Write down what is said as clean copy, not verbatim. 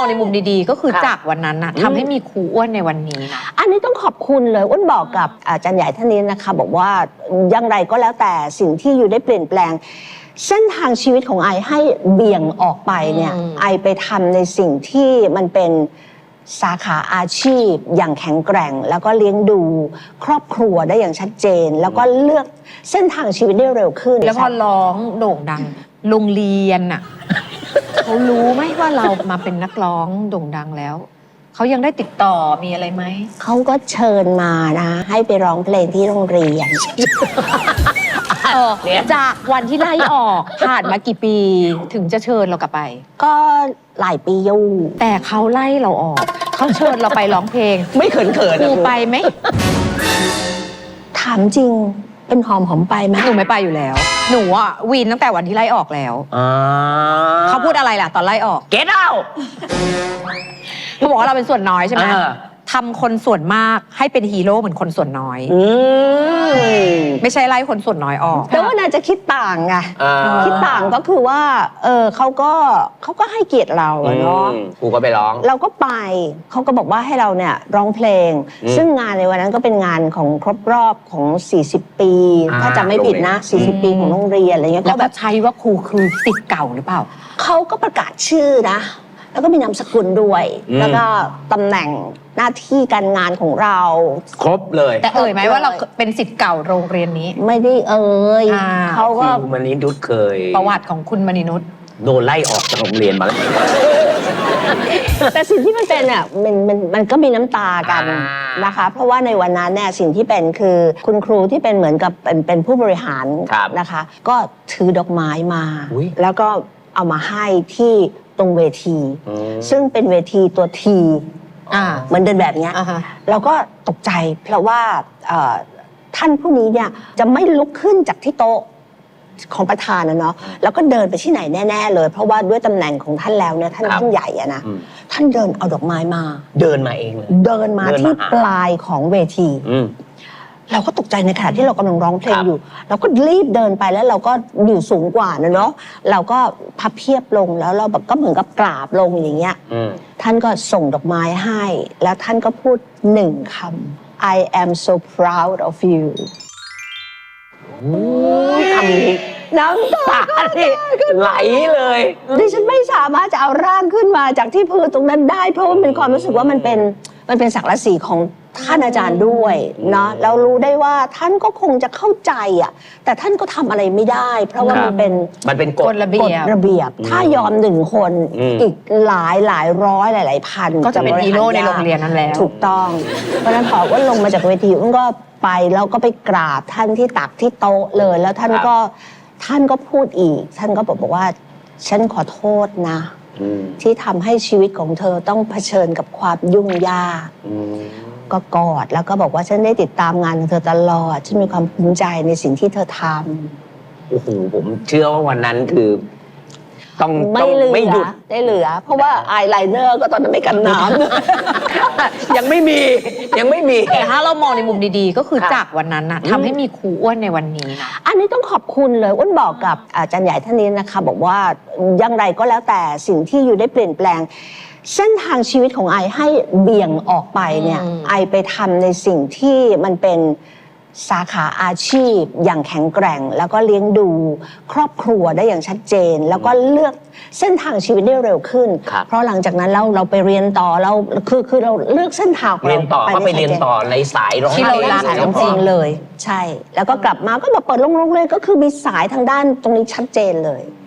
ในมุมดีๆก็คือจากวันนั้นนะทำให้มีครูอ้วนในวันนี้นะอันนี้ต้องขอบคุณเลยอ้วนบอกกับอาจารย์ใหญ่ท่านนี้นะคะบอกว่าอย่างไรก็แล้วแต่สิ่งที่อยู่ได้เปลี่ยนแปลงเส้นทางชีวิตของไอให้เบี่ยงออกไปเนี่ยไอไปทำในสิ่งที่มันเป็นสาขาอาชีพอย่างแข็งแกร่งแล้วก็เลี้ยงดูครอบครัวได้อย่างชัดเจนแล้วก็เลือกเส้นทางชีวิตได้เร็วขึ้นแล้วพอร้องโด่งดังโรงเรียนอ่ะ เขารู้ไหมว่าเรามาเป็นนักร้องโด่งดังแล้วเขายังได้ติดต่อมีอะไรไหมเขาก็เชิญมานะให้ไปร้องเพลงที่โรงเรียนจากวันที่ไล่ออกผ่านมากี่ปีถึงจะเชิญเรากลับไปก็หลายปีอยู่แต่เขาไล่เราออกเขาเชิญเราไปร้องเพลงไม่เขินครูไปไหมถามจริงเป็นหอมไปไหมหนูไม่ไปอยู่แล้วหนูอ่ะวีนตั้งแต่วันที่ไล่ออกแล้วเขาพูดอะไรล่ะตอนไล่ออก Get out เขาบอกว่าเราเป็นส่วนน้อยใช่ไหมทำคนส่วนมากให้เป็นฮีโร่เหมือนคนส่วนน้อยไม่ใช่ไล่คนส่วนน้อยออกแต่ว่าน่าจะคิดต่างไงคิดต่างก็คือว่าเขาก็ให้เกียรติเราเนาะครูก็ไปร้องเราก็ไปเขาก็บอกว่าให้เราเนี่ยร้องเพลงซึ่งงานในวันนั้นก็เป็นงานของครบรอบของ40 ปีถ้าจำไม่ผิดนะ40 ปีของโรงเรียนอะไรเงี้ยแล้วแบบใช้ว่าครูคือศิษย์เก่าหรือเปล่าเขาก็ประกาศชื่อนะแล้วก็มีนามสกุลด้วยแล้วก็ตำแหน่งหน้าที่การงานของเราครบเลยแต่ไหมว่าเราเป็นศิษย์เก่าโรงเรียนนี้ไม่ได้เขาก็มณีนุชเคยประวัติของคุณมณีนุชโดนไล่ออกจากโรงเรียนมาแล้วแต่สิ่งที่มันเป็นอ่ะมันก็มีน้ำตากันนะคะเพราะว่าในวันนั้นเนี่ยสิ่งที่เป็นคือคุณครูที่เป็นเหมือนกับเป็นผู้บริหารนะคะก็ถือดอกไม้มาแล้วก็เอามาให้ที่ตรงเวทีซึ่งเป็นเวทีตัวทีเหมือนเดินแบบนี้เราก็ตกใจเพราะว่าท่านผู้นี้เนี่ยจะไม่ลุกขึ้นจากที่โต๊ะของประธานนะเนาะแล้วก็เดินไปที่ไหนแน่ๆเลยเพราะว่าด้วยตำแหน่งของท่านแล้วเนี่ยท่านใหญ่อะนะท่านเดินเอาดอกไม้มาเดินมาเองเลยเดินมาที่ปลายของเวทีเราก็ตกใจในขณะที่เรากำลังร้องเพลงอยู่เราก็รีบเดินไปแล้วเราก็อยู่สูงกว่านะเนาะเราก็พับเพียบลงแล้วเราแบบก็เหมือนกับกราบลงอย่างเงี้ยท่านก็ส่งดอกไม้ให้แล้วท่านก็พูด1 คำ I am so proud of you คำนี้น้ำตาไหลเลยดิฉันไม่สามารถจะเอาร่างขึ้นมาจากที่พื้นตรงนั้นได้เพราะว่าเป็นความรู้สึกว่ามันเป็นศักดิ์ศรีของท่านอาจารย์ด้วยนะเรารู้ได้ว่าท่านก็คงจะเข้าใจอ่ะแต่ท่านก็ทำอะไรไม่ได้เพราะว่ามันเป็นกฎระเบียบถ้ายอม1 คนอีกหลายร้อยหลายพันก็จะเป็นฮีโร่ในโรงเรียนนั้นแล้วถูกต้องเพราะฉะนั้นพอว่าลงมาจากเวทีก็ไปแล้วก็ไปกราบท่านที่ตักที่โต๊ะเลยแล้วท่านก็พูดอีกท่านก็บอกว่าฉันขอโทษนะที่ทำให้ชีวิตของเธอต้องเผชิญกับความยุ่งยากก็กอดแล้วก็บอกว่าฉันได้ติดตามงานของเธอตลอดฉันมีความภูมิใจในสิ่งที่เธอทำโอ้โหผมเชื่อว่าวันนั้นคือต้องไม่หยุดได้เหลือเพราะว่าอายไลเนอร์ก็ตอนนั้นไม่กันน้ำยังไม่มีแต่ถ้าเรามองในมุมดีๆก็คือจากวันนั้นนะทำให้มีครูอ้วนในวันนี้นะอันนี้ต้องขอบคุณเลยอ้วนบอกกับอาจารย์ใหญ่ท่านนี้นะคะบอกว่าอย่างไรก็แล้วแต่สิ่งที่อยู่ได้เปลี่ยนแปลงเส้นทางชีวิตของไอให้เบี่ยงออกไปเนี่ยไอไปทำในสิ่งที่มันเป็นสาขาอาชีพอย่างแข็งแกร่งแล้วก็เลี้ยงดูครอบครัวได้อย่างชัดเจนแล้วก็เลือกเส้นทางชีวิตได้เร็วขึ้นเพราะหลังจากนั้นเราไปเรียนต่อเราคือเราเลือกเส้นทางเรียนต่อก็ไปเรียนต่อในสายร้องเพลงสายร้องเพลงเลยใช่แล้วก็กลับมาก็มาเปิดโรงเรียนก็คือมีสายทางด้านตรงนี้ชัดเจนเลย